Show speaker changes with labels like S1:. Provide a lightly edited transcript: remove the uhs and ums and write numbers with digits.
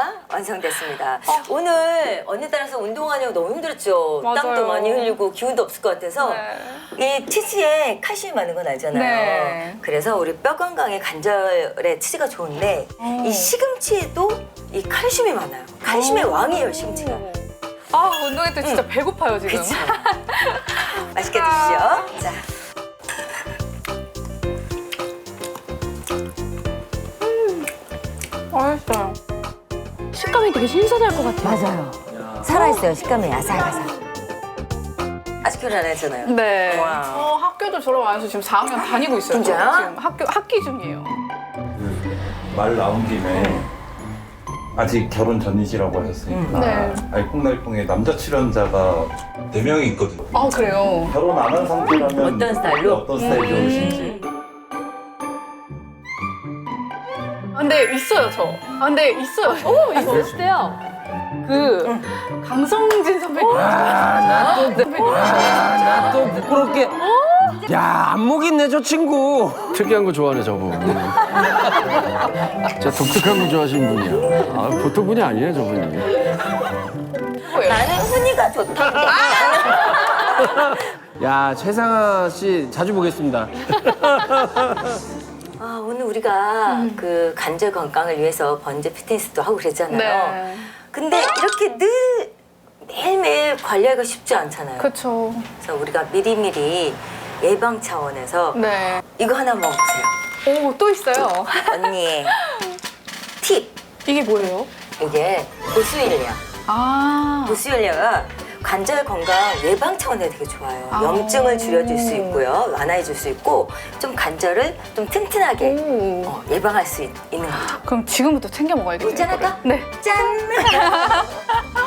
S1: 자, 완성됐습니다. 오늘 언니 따라서 운동하느라고 너무 힘들었죠.
S2: 맞아요.
S1: 땀도 많이 흘리고 기운도 없을 것 같아서
S2: 네.
S1: 이 치즈에 칼슘이 많은 건 알잖아요.
S2: 네.
S1: 그래서 우리 뼈 건강에 관절에 치즈가 좋은데 이 시금치에도 이 칼슘이 많아요. 칼슘의 왕이에요, 시금치가.
S2: 아, 운동회 때 진짜 배고파요, 지금.
S1: 그쵸? 맛있게 드시죠. 자.
S2: 맛있어요.
S3: 식감이 되게 신선할 것 같아요.
S1: 맞아요. 살아있어요, 식감이 아삭아삭. 아직 결혼 안 했잖아요.
S2: 네.
S1: 와.
S2: 학교도 졸업 안 해서 지금 4학년 다니고 있어요.
S1: 진짜요?
S2: 지금 학기 중이에요.
S4: 말 나온 김에 아직 결혼 전이시라고 하셨으니까
S2: 네.
S4: 알콩달콩에 남자 출연자가 4명이 있거든요.
S2: 아, 그래요?
S4: 결혼 안 한 상태라면
S1: 어떤 스타일로?
S4: 어떤 스타일 좋으신지.
S2: 아, 근데 있어요, 저. 아, 근데 있어요. 오, 이거.
S3: 어때요?
S2: 그, 강성진 선배님.
S5: 나 또 부끄럽게. 야, 안목 있네, 저 친구.
S6: 특이한 거 좋아하네 저분. 진짜 독특한 거 좋아하시는 분이야. 아, 보통 분이 아니에요 저분이.
S1: 나는 훈이가 좋다.
S5: 야, 최상아 씨 자주 보겠습니다.
S1: 아, 오늘 우리가 그 관절 건강을 위해서 번제 피트니스도 하고 그랬잖아요.
S2: 네.
S1: 근데 이렇게 늘 매일매일 관리하기가 쉽지 않잖아요.
S2: 그쵸.
S1: 그래서 우리가 미리미리 예방 차원에서
S2: 네.
S1: 이거 하나 먹으세요.
S2: 오, 또 있어요.
S1: 언니의 팁.
S2: 이게 뭐예요?
S1: 이게 보스일리아.
S2: 아.
S1: 보스일리아가 관절 건강 예방 차원에 되게 좋아요.
S2: 아.
S1: 염증을 줄여줄 수 있고요. 완화해줄 수 있고 좀 관절을 좀 튼튼하게
S2: 오.
S1: 예방할 수 있는 거죠.
S2: 그럼 지금부터 챙겨 먹어야겠네요.
S1: 있잖아,
S2: 이거를. 네.
S1: 짠!